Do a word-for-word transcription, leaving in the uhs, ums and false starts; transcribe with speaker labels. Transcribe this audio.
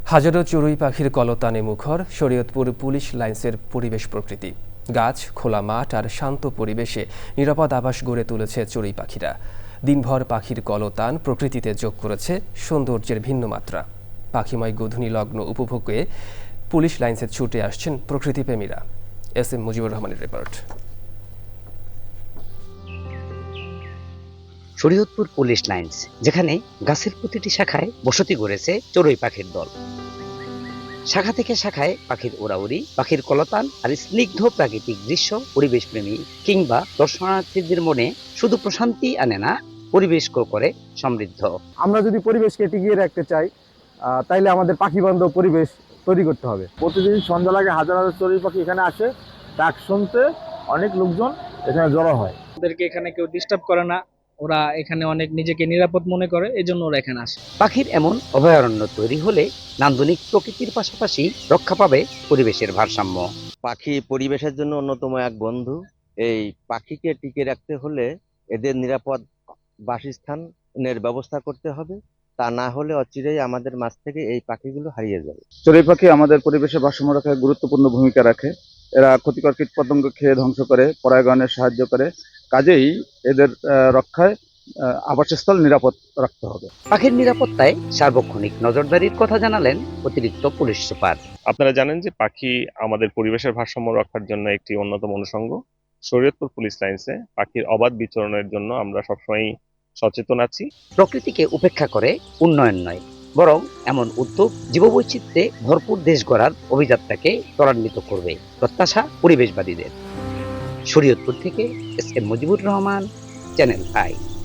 Speaker 1: হাজারো চড়ুই পাখির কলতানে মুখর শরীয়তপুর পুলিশ লাইন্সের পরিবেশ প্রকৃতি। গাছ, খোলা মাঠ আর শান্ত পরিবেশে নিরাপদ আবাস গড়ে তুলেছে চড়ুই পাখিরা। দিনভর পাখির কলতান প্রকৃতিতে যোগ করেছে সৌন্দর্যের ভিন্ন মাত্রা। পাখিময় গোধূলি লগ্ন উপভোগে পুলিশ লাইন্সে ছুটে আসছেন প্রকৃতিপ্রেমীরা। এস এম মুজিবুর রহমানের রিপোর্ট।
Speaker 2: শরীয়তপুর পুলিশ লাইন্স, যেখানে গাছের প্রতিটি শাখায় বসতি গড়েছে চড়ুই পাখির দল। শাখা থেকে শাখায় পাখির উড়াউড়ি, পাখির কলতান আর স্নিগ্ধ প্রাকৃতিক দৃশ্য পরিবেশপ্রেমী কিংবা দর্শনার্থীদের মনে শুধু প্রশান্তি আনে না, পরিবেশকেও করে সমৃদ্ধ।
Speaker 3: আমরা যদি পরিবেশকে টিকিয়ে রাখতে চাই, তাইলে আমাদের পাখি বান্ধব পরিবেশ তৈরি করতে হবে। প্রতিদিন সন্ধ্যা লাগে হাজার হাজার চড়ুই পাখি এখানে আসে, ডাক শুনতে অনেক লোকজন এখানে জড়ো হয়।
Speaker 4: ওদেরকে এখানে কেউ ডিস্টার্ব করে না, ওরা এখানে অনেক নিজেকে নিরাপদ মনে করে, এই জন্য ওরা এখানে আসে।
Speaker 2: পাখির এমন অভয়ারণ্য তৈরি হলে নান্দনিক প্রকৃতির পাশাপাশি রক্ষা পাবে পরিবেশের ভারসাম্য।
Speaker 5: পাখি পরিবেশের জন্য অন্যতম এক বন্ধু। এই পাখিকে টিকে রাখতে হলে এদের নিরাপদ বাসস্থানের ব্যবস্থা করতে হবে, তা না হলে অচিরেই আমাদের মাছ থেকে এই পাখিগুলো হারিয়ে যাবে।
Speaker 6: চড়ুই পাখি আমাদের পরিবেশের ভারসাম্য রক্ষায় গুরুত্বপূর্ণ ভূমিকা রাখে। এরা ক্ষতিকর কীটপতঙ্গ খেয়ে ধ্বংস করে, পরাগায়নে সাহায্য করে। কাজেই এদের রক্ষায় আবাসস্থল নিরাপদ রাখতে হবে।
Speaker 2: পাখির নিরাপত্তায় সার্বক্ষণিক নজরদারির কথা জানালেন অতিরিক্ত পুলিশ সুপার।
Speaker 7: আপনারা জানেন যে পাখি আমাদের পরিবেশের ভারসাম্য রক্ষার জন্য একটি অন্যতম অনুষঙ্গ। শরীয়তপুর পুলিশ লাইন্সে পাখির অবাধ বিচরণের জন্য আমরা সবসময় সচেতন আছি।
Speaker 2: প্রকৃতিকে উপেক্ষা করে উন্নয়ন নয়, বরং এমন উদ্যোগ জীববৈচিত্র্যে ভরপুর দেশ গড়ার অভিযাত্রাকে ত্বরান্বিত করবে, প্রত্যাশা পরিবেশবাদীদের। শরীয়তপুর থেকে S M Mujibur Rahman, channel I.